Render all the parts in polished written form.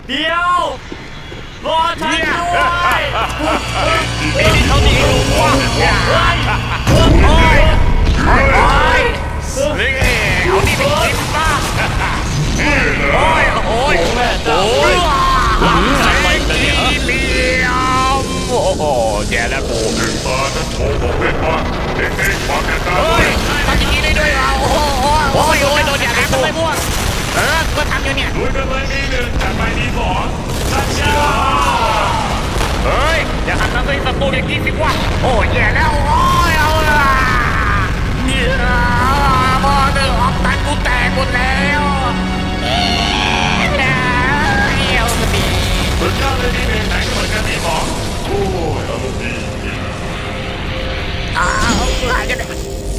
เดี๋ยวรอฉันด้วยไอ้นี่เขาดีกว่าโอ้ยนี่เอานี่ไปกินบ้างโอ้ยโอ้ยโอ้ยใส่กีเหลี่ยมโอ้โหแย่แล้วกูตานั้นโชว์ของเล่นบ้างเด็กๆฟังกันนะเฮ้ยทำอย่างนี้ได้ด้วยเหรอโอ้โหโอ้ยโอ้ยโดนอย่างนี้เลยพวกก็ทำอยู่เนี่ยลุยกันเลยมีหนึ่งจัดไปมีสองชัดชาเฮ้ยอย่าหันมาเป็นศัตรูอย่างนี้สิวะโอ้ยแย่แล้วโอ้ยเอาละเนี่ยบอลเดือดตันกูแตกหมดแล้วเอ้ยเอาดีเหมือนกันเลยมีหนึ่งไหนก็เหมือนกันมีสองโอ้ยอารมณ์ดีอ้าวหายกันเลย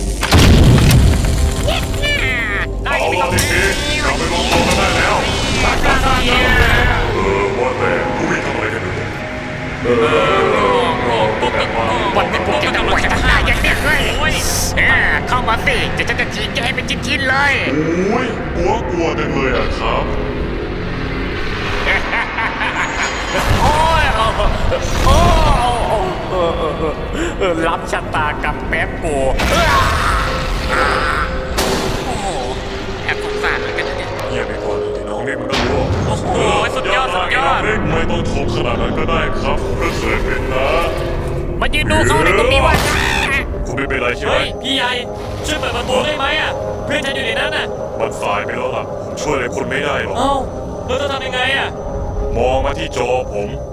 ได้เอาไม่ละต้องเด็กๆกลับไปรวมตัวกันได้แล้วว่าแต่ผู้วิ่งทำอะไรกันอยู่แบบว่าวันนี้พวกจะหมดจะฆ่าอย่างเนี้ยเลยเข้ามาสิจะจีแกเป็นชิ้นๆเลยโอ้ยกลัวจังเลยอะครับโอ้ยโอ้รับชะตากับแป๊บกูโอ้โหแอบสงสารเหมือนกันเนี่ยเงียบไปก่อนน้องเล็กมันก็รู้โอ้โหสุดยอดสุดยอดน้องเล็กไม่ต้องชมขนาดนั้นก็ได้ครับก็เคยเป็นนะมายืนดูเขาในตรงนี้วะคุณไม่เป็นไรใช่ไหมเฮ้ยพี่ใหญ่ช่วยเปิดประตูได้ไหมอ่ะเพื่อนฉันอยู่ในนั้นน่ะมันสายไปแล้วล่ะผมช่วยอะไรคุณไม่ได้หรอกเอ้าเราจะทำยังไงอ่ะมองมาที่จอผม